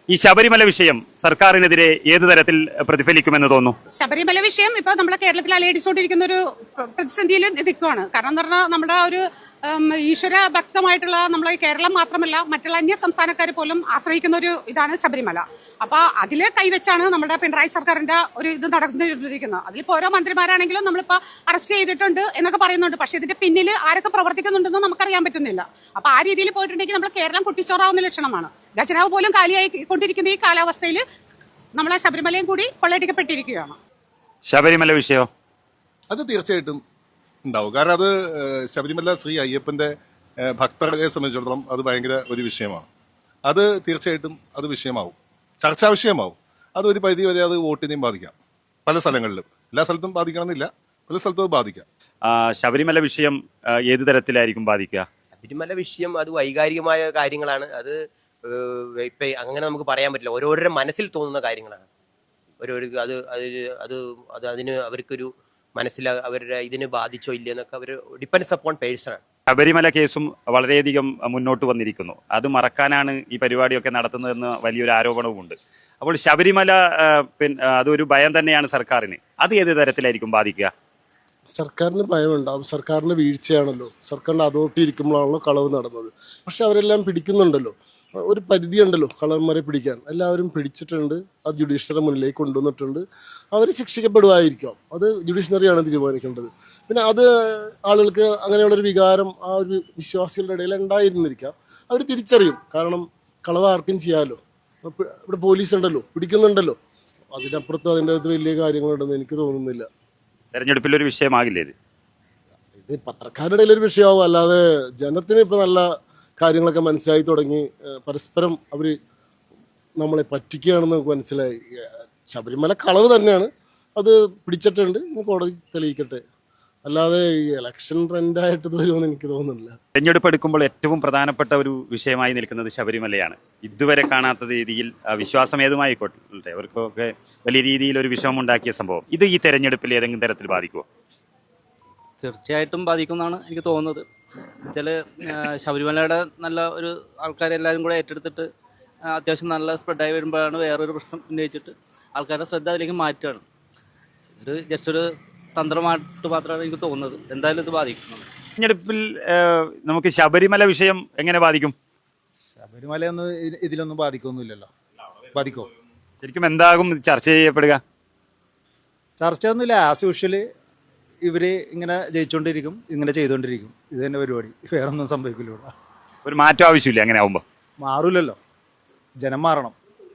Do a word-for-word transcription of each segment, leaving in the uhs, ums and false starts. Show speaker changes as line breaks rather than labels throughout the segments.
ഈ ശബരിമല വിഷയം സർക്കാരിനെതിരെ ഏത് തരത്തിൽ പ്രതിഫലിക്കുമെന്ന് തോന്നുന്നു?
ശബരിമല വിഷയം ഇപ്പൊ നമ്മുടെ കേരളത്തിൽ അലയടിച്ചുകൊണ്ടിരിക്കുന്ന ഒരു പ്രതിസന്ധിയിൽ നിൽക്കുകയാണ്. കാരണം എന്ന് പറഞ്ഞാൽ നമ്മുടെ ഒരു ഈശ്വര ഭക്തമായിട്ടുള്ള നമ്മളെ കേരളം മാത്രമല്ല മറ്റുള്ള അന്യ സംസ്ഥാനക്കാർ പോലും ആശ്രയിക്കുന്ന ഒരു ഇതാണ് ശബരിമല. അപ്പൊ അതിൽ കൈവച്ചാണ് നമ്മുടെ പിണറായി സർക്കാരിന്റെ ഒരു ഇത് നടന്നിരിക്കുന്നത്. അതിലിപ്പോ ഓരോ മന്ത്രിമാരാണെങ്കിലും നമ്മളിപ്പോ അറസ്റ്റ് ചെയ്തിട്ടുണ്ട് എന്നൊക്കെ പറയുന്നുണ്ട്. പക്ഷെ ഇതിന്റെ പിന്നിൽ ആരൊക്കെ പ്രവർത്തിക്കുന്നുണ്ടെന്ന് നമുക്കറിയാൻ പറ്റുന്നില്ല. അപ്പൊ ആ രീതിയിൽ പോയിട്ടുണ്ടെങ്കിൽ നമ്മൾ കേരളം കുട്ടിച്ചോറാവുന്ന ലക്ഷണമാണ്. ഖജനാവ് പോലും കാലിയായി കൊണ്ടിരിക്കുന്ന ഈ കാലാവസ്ഥയിൽ നമ്മളെ ശബരിമലയും കൂടി കൊള്ളയടിക്കപ്പെട്ടിരിക്കുകയാണ്.
ശബരിമല വിഷയം
അത് തീർച്ചയായിട്ടും ഉണ്ടാവും. കാരണം അത് ശബരിമല ശ്രീ അയ്യപ്പന്റെ ഭക്തരെ സംബന്ധിച്ചിടത്തോളം അത് ഭയങ്കര ഒരു വിഷയമാണ്. അത് തീർച്ചയായിട്ടും അത് വിഷയമാവും, ചർച്ചാ വിഷയമാവും. അത് ഒരു പരിധി വരെ അത് വോട്ടിനെയും ബാധിക്കാം. പല സ്ഥലങ്ങളിലും, എല്ലാ സ്ഥലത്തും ബാധിക്കണമെന്നില്ല, പല സ്ഥലത്തും ബാധിക്കാം.
ശബരിമല വിഷയം ഏത് തരത്തിലായിരിക്കും ബാധിക്കുക?
ശബരിമല വിഷയം അത് വൈകാരികമായ കാര്യങ്ങളാണ്. അത് ഇപ്പം അങ്ങനെ നമുക്ക് പറയാൻ പറ്റില്ല. ഓരോരുത്തരുടെ മനസ്സിൽ തോന്നുന്ന കാര്യങ്ങളാണ്. ഓരോരു അത് അതിൽ അത് അത് അതിന് അവർക്കൊരു മനസ്സിൽ അവരുടെ ഇതിന് ബാധിച്ചോ ഇല്ലയെന്നൊക്കെ അവർ ഡിപ്പെൻഡ്സ് അപ്പോൺ പേഴ്സണാണ്.
ശബരിമല കേസും വളരെയധികം മുന്നോട്ട് വന്നിരിക്കുന്നു. അത് മറക്കാനാണ് ഈ പരിപാടിയൊക്കെ നടത്തുന്നതെന്ന് വലിയൊരു ആരോപണവുമുണ്ട്. അപ്പോൾ ശബരിമല പിന്നെ അതൊരു ഭയം തന്നെയാണ് സർക്കാരിന്. അത് ഏത് തരത്തിലായിരിക്കും ബാധിക്കുക?
സർക്കാരിന് ഭയമുണ്ടാവും. സർക്കാരിന് വീഴ്ചയാണല്ലോ. സർക്കാരിൻ്റെ അതോറിറ്റി ഇരിക്കുമ്പോഴാണല്ലോ കളവ് നടന്നത്. പക്ഷെ അവരെല്ലാം പിടിക്കുന്നുണ്ടല്ലോ. ഒരു പരിധിയുണ്ടല്ലോ കളവന്മാരെ പിടിക്കാൻ. എല്ലാവരും പിടിച്ചിട്ടുണ്ട്. അത് ജുഡീഷ്യറി മുന്നിലേക്ക് കൊണ്ടുവന്നിട്ടുണ്ട്. അവർ ശിക്ഷിക്കപ്പെടുമായിരിക്കാം. അത് ജുഡീഷ്യറിയാണ് തീരുമാനിക്കേണ്ടത്. പിന്നെ അത് ആളുകൾക്ക് അങ്ങനെയുള്ളൊരു വികാരം ആ ഒരു വിശ്വാസികളുടെ ഇടയിൽ ഉണ്ടായിരുന്നിരിക്കാം. അവർ തിരിച്ചറിയും. കാരണം കളവ് ആർക്കും ചെയ്യാമല്ലോ. ഇവിടെ പോലീസ് ഉണ്ടല്ലോ, പിടിക്കുന്നുണ്ടല്ലോ. അതിനപ്പുറത്ത് അതിൻ്റെ അകത്ത് വലിയ കാര്യങ്ങളുണ്ടെന്ന് എനിക്ക് തോന്നുന്നില്ല.
തെരഞ്ഞെടുപ്പിലൊരു വിഷയമാകില്ലേ ഇത്?
ഇത് പത്രക്കാരുടെ ഇടയിലൊരു വിഷയമാവും. അല്ലാതെ ജനത്തിന് ഇപ്പം നല്ല കാര്യങ്ങളൊക്കെ മനസ്സിലായി തുടങ്ങി. പരസ്പരം അവർ നമ്മളെ പറ്റിക്കുകയാണെന്ന് നമുക്ക് മനസ്സിലായി. ശബരിമല കളവ് തന്നെയാണ്. അത് പിടിച്ചിട്ടുണ്ട്. കോടതി തെളിയിക്കട്ടെ. അല്ലാതെ ഈ ഇലക്ഷൻ ട്രെൻഡായിട്ട് വരുമെന്ന് എനിക്ക് തോന്നുന്നില്ല.
തെരഞ്ഞെടുപ്പ് എടുക്കുമ്പോൾ ഏറ്റവും പ്രധാനപ്പെട്ട ഒരു വിഷയമായി നിൽക്കുന്നത് ശബരിമലയാണ്. ഇതുവരെ കാണാത്ത രീതിയിൽ വിശ്വാസം ഏതുമായിക്കോട്ടെ അവർക്കൊക്കെ വലിയ രീതിയിൽ ഒരു വിഷമമുണ്ടാക്കിയ സംഭവം ഇത് ഈ തെരഞ്ഞെടുപ്പിൽ ഏതെങ്കിലും തരത്തിൽ ബാധിക്കുമോ?
തീർച്ചയായിട്ടും ബാധിക്കുമെന്നാണ് എനിക്ക് തോന്നുന്നത്. വെച്ചാൽ ശബരിമലയുടെ നല്ല ഒരു ആൾക്കാരെല്ലാവരും കൂടെ ഏറ്റെടുത്തിട്ട് അത്യാവശ്യം നല്ല സ്പ്രെഡായി വരുമ്പോഴാണ് വേറൊരു പ്രശ്നം ഉന്നയിച്ചിട്ട് ആൾക്കാരുടെ ശ്രദ്ധ അതിലേക്ക് മാറ്റുകയാണ്. ഒരു ജസ്റ്റ് ഒരു തന്ത്രമായിട്ട് മാത്രമാണ് എനിക്ക് തോന്നുന്നത്. എന്തായാലും ഇത് ബാധിക്കുന്നത്.
തെരഞ്ഞെടുപ്പിൽ നമുക്ക് ശബരിമല വിഷയം എങ്ങനെ ബാധിക്കും?
ശബരിമലയൊന്നും ഇതിലൊന്നും ബാധിക്കൊന്നുമില്ലല്ലോ. ബാധിക്കോ?
ശരിക്കും എന്താകും ചർച്ച ചെയ്യപ്പെടുക?
ചർച്ച ഒന്നുമില്ല. ആസ് യൂഷ്വല് ഇവർ ഇങ്ങനെ ജയിച്ചുകൊണ്ടിരിക്കും, ഇങ്ങനെ ചെയ്തുകൊണ്ടിരിക്കും. ഇത് തന്നെ പരിപാടി. വേറൊന്നും സംഭവിക്കില്ല.
ഒരു മാറ്റം ആവശ്യമില്ല. അങ്ങനെ ആവുമ്പോൾ
മാറൂലല്ലോ. ജനം മാറണം.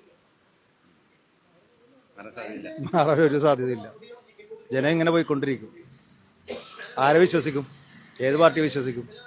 മാറാൻ ഒരു സാധ്യതയില്ല. ജനം ഇങ്ങനെ പോയിക്കൊണ്ടിരിക്കും. ആരെ വിശ്വസിക്കും? ഏത് പാർട്ടി വിശ്വസിക്കും?